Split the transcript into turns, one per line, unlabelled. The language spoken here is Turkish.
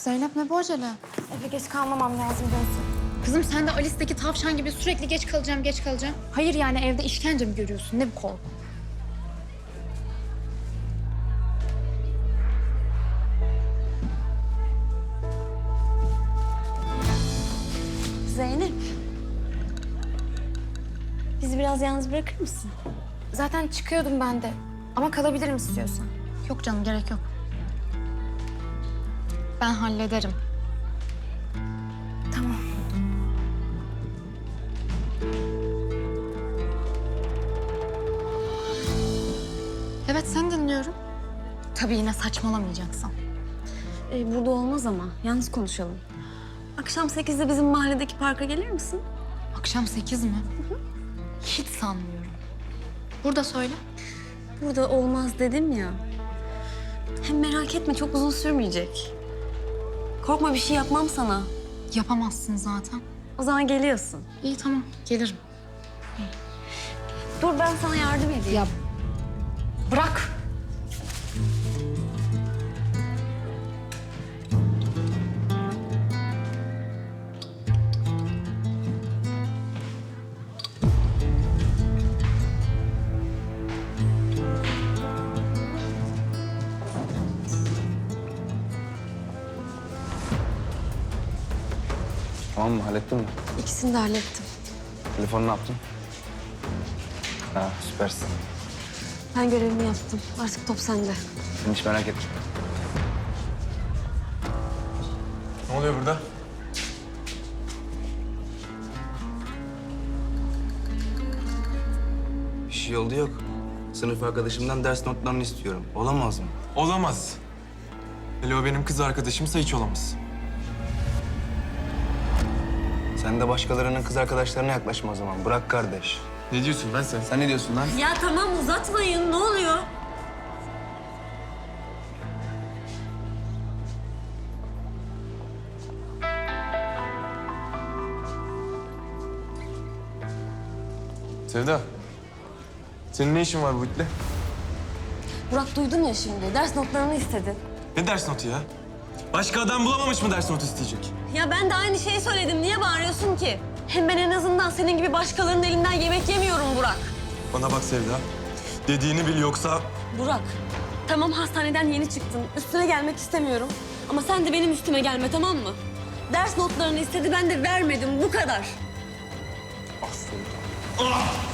Zeynep ne bu acele?
Eve geç kalmamam lazım Gözde.
Kızım sen de Alice'deki tavşan gibi sürekli geç kalacağım, geç kalacağım. Hayır yani evde işkence mi görüyorsun? Ne bu korku?
Zeynep. Bizi biraz yalnız bırakır mısın? Zaten çıkıyordum ben de. Ama kalabilirim istiyorsan.
Yok canım, gerek yok. Ben hallederim.
Tamam.
Evet, seni dinliyorum. Tabii yine saçmalamayacaksın.
Burada olmaz ama. Yalnız konuşalım. Akşam 8'de bizim mahalledeki parka gelir misin?
Akşam 8 mi? Hiç sanmıyorum. Burada söyle.
Burada olmaz dedim ya. Hem merak etme çok uzun sürmeyecek. Korkma bir şey yapmam sana.
Yapamazsın zaten.
O zaman geliyorsun.
İyi tamam, gelirim.
Dur ben sana yardım edeyim.
Ya bırak.
Tamam mı? Hallettin mi?
İkisini de hallettim.
Telefonu ne yaptın? Ha, süpersin.
Ben görevimi yaptım. Artık top sende.
Sen hiç merak etme.
Ne oluyor burada?
Bir şey oldu yok. Sınıf arkadaşımdan ders notlarını istiyorum. Olamaz mı?
Olamaz. Hele o benim kız arkadaşımsa hiç olamaz.
Sen de başkalarının kız arkadaşlarına yaklaşma o zaman. Bırak kardeş.
Ne diyorsun lan sen?
Sen ne diyorsun lan?
Ya tamam uzatmayın. Ne oluyor?
Sevda. Senin ne işin var bu itle?
Burak duydun ya şimdi. Ders notlarını istedi.
Ne ders notu ya? Başka adam bulamamış mı ders notu isteyecek?
Ya ben de aynı şeyi söyledim. Niye bağırıyorsun ki? Hem ben en azından senin gibi başkalarının elinden yemek yemiyorum Burak.
Bana bak Sevda. Dediğini bil yoksa...
Burak, tamam hastaneden yeni çıktın. Üstüne gelmek istemiyorum. Ama sen de benim üstüme gelme tamam mı? Ders notlarını istedi ben de vermedim bu kadar.
Ah Sevda. Ah!